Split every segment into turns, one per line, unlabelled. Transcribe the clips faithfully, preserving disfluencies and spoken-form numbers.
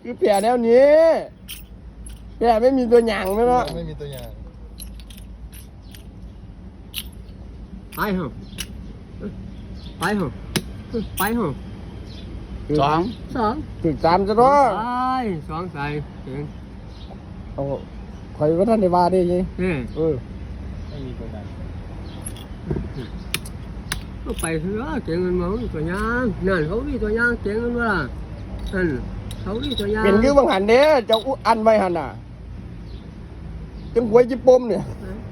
คือแผลแนวนี้แผลไม่มีตัวหยางเลยเนาะ
ไม่มีตัวอย่าง
ไปเหรอไปเหรอไปเหรอ
สอง
สอง
ถึงสามจะร้อ
ไปสองใส่เก่ง
โอ้คอยว่าท่านในบ้านได้ยังเออ
ไม่มีตัวอย่าง
ก็ไปเถอะเก่งเงินมาตัวยางนั่นเขาดีตัวยางเก่งเงินมานั่นเขาดีตัวยาง
เป็นยื้อบางหันเด้เจ้าอันไว้หันน่ะจังหวยจิปมเนี่ย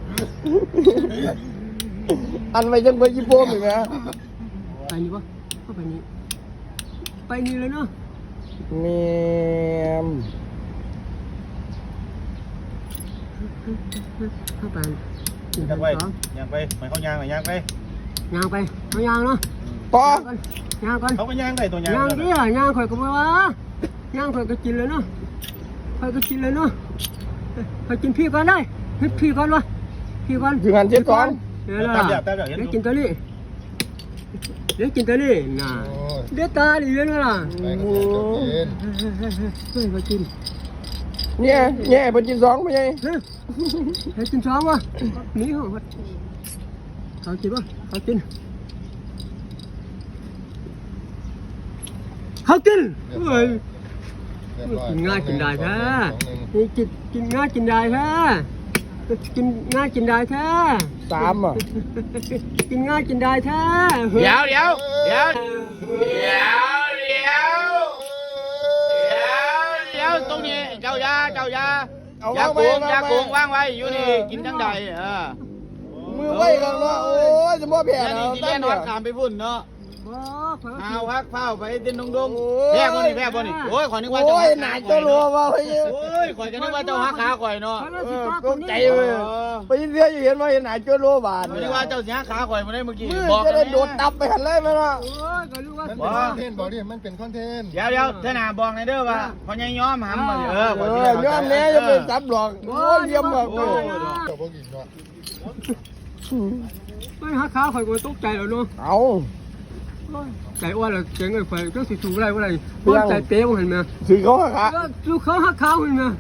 อันไว้จังหวยจิปมอยู่ไหม
ไปนี่ปะเข้าไปนี่ไปนี่เลยเนาะ
เมม
เข้าไป
ยังไปยังไปไม่เขายางไหมยางไป
ยางไปเขายางเนาะ
ต่อย
างก่อน
เขาก็ยางได้ตัวยาง
ยางดิยางข่อยก็ไม่ว่ายางข่อยก็กินเลยเนาะข่อยก็กินเลยเนาะข่อยกินพี่ก่อนได้พี่ก่อนวะพี่ก่อน
ถึงหันเจ็ดก่อน
เดี๋ยวล่ะเดี๋ยวกินตัวนี้เดี๋ยวกินตัวนี้น่ะเดี๋ยวตาดิเดี๋ยวล่ะ
ไปก็
กินเฮ้ยมากิน
เนี่ยเนี่ยเป็นกินสองไม่ใช่
เฮ้ยกินสองวะนี่เหรอเขากินวะเขากินเขากินเฮ้ยกินง่ายกินได้แท้นี่กินกินง่ายกินได้แท้กินง่ายกินได้แท้
สามอ่ะ
กินง่ายกินได้แท้
เดี๋ยวเดี๋ยวเดี๋ยวเดี๋ยวเดี๋ยวเดี๋ยวตรงนี้เจ้ายาเจ้ายายาโกงยาโกงวางไว้อยู่นี่กินทั้งใดเออมือไว้กันเนาะโอ้ยจะมั่วแผลเนาะ
ที่แน่นอนขามไปพุ่นเนาะเอาพักเฝ้าไปเต้นดงดงแพ้บ่นี่แพ้บ่นี่โอ้ยข่อยนึกว่าเจ้า
โอ้ยหนาเจ้ารัวว่าเฮ้ย
โอ้ยข่อยก็นึกว่าเจ้าหักขาข่อยเนาะ
ก้มใจเลยไปยินเสียอยู่เห็นว่าเห็นหนาเจ้ารัวบาด
นึกว่าเจ้าสิหักขาข่อยมาได้เมื่อกี้
บอกจะได้โดดตับไปหันเลยมั้ยเนาะ
โอ้ยก็รู้ว่า
มันเป็นคอนเทนต์บอกดิมันเป็นคอนเทนต์
เดี๋ยวเดี๋ยวเท่านาบอกในเด้อว่าพอยังย้อมหำมาเออ
เออยอมแน่จะไปจับหลอกโอ้ยเยี่ยมแบบ
เจ้าพวกกินเนาะ
ไม่หักขาข่อยก็ตกใจแล้วเนาะ
เอา
ใจอ้วนเลยเจ๋งเลยไฟก็สิถูกอะไรวะไรต้นใจเป๊ะเห็นไหม
ถือเขาหักขา
ลูกเขาหักขาเห็นไหม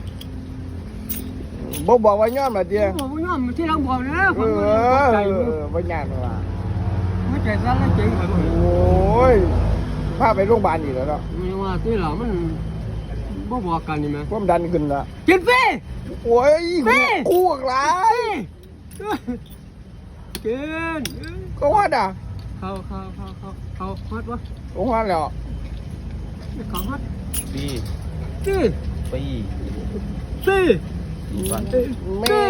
บอกบอกว่าย้อมมาเดียว
บอกว่าย้อมที่เราบอกนะ
เออไม่ยากหรอก
ไม่ใจสั้นแล้วเจ๋งไปหมด
โอ้ยพาไปโรงพยาบาลอีกแล้วเนาะ
ไม่ว่าที่เรามันบ่บอกกันนี่ไหม
ความดันขึ้นละ
กินฟรี
โอ้ยคู่อะไร
กิน
ก็ว่าด่ะ
เขาเขาเขาเขาเขาฮอตวะ
เขาฮอตแล้ว
เขาฮอต
ปี
ปี
ปี
ปี
แม่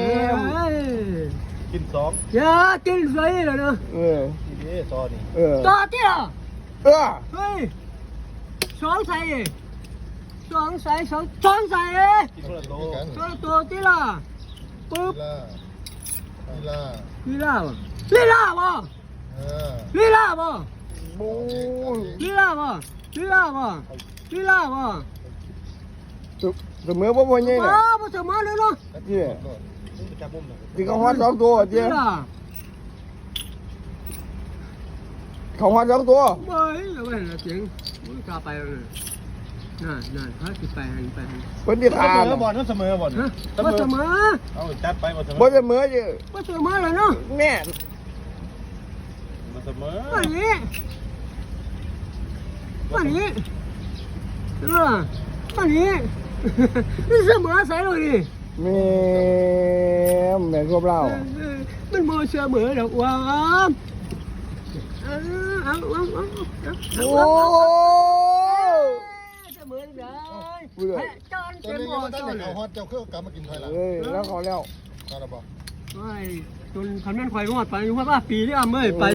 กินสอง
อย่ากินฟรีเลยเนาะ
เออ
นี่ต่อนี่
เออ
ต่อที่ละ
เออ
เฮ้ยสองใส่สองใส่สองสองใส่สองตัวที่ละปุ๊บ
ลีลา
ลีลาลีลาบ่ลีลาบ่
บู
ลีลาบ่ลีลาบ่ลีลาบ่
เสมอบ่บ่ยัง
น่ะบ่เสมอเลยเนาะ
เจ้ที่เขาฮอดสองตัวเจ้เขาฮอดสองตัว
เฮ้ยแล้วมันเจ๋งมึงกล้าไปเลยน่ะน่ะพาสิไปหันไปหัน
เพิ่นสิทาน
บ่เสมอบ่
บ่เสมอ
เอาจัดไปบ่เสมอ
บ่เสมอเจ้
บ่เสมอเลยเนาะ
แม่
เสมอ
วันนี้วันนี้เออวันนี้นี่เสมอใส่เลยดิ
แม่แม่ควบเรา
มันโมเสมอดอกว่าเอาเอาเอาเอา
โอ้
เสมอเลยจอนเต็มหมด
จอนเขาฮอตเจ้าเครื่องกลับมากินไทยละ
เอ้ยแล้วเขาแล้ว
ตาละบ่
ไม่จนคันแม่นควายงอดไปอยู่ว่าปีที่อ้ำเอ้ยไป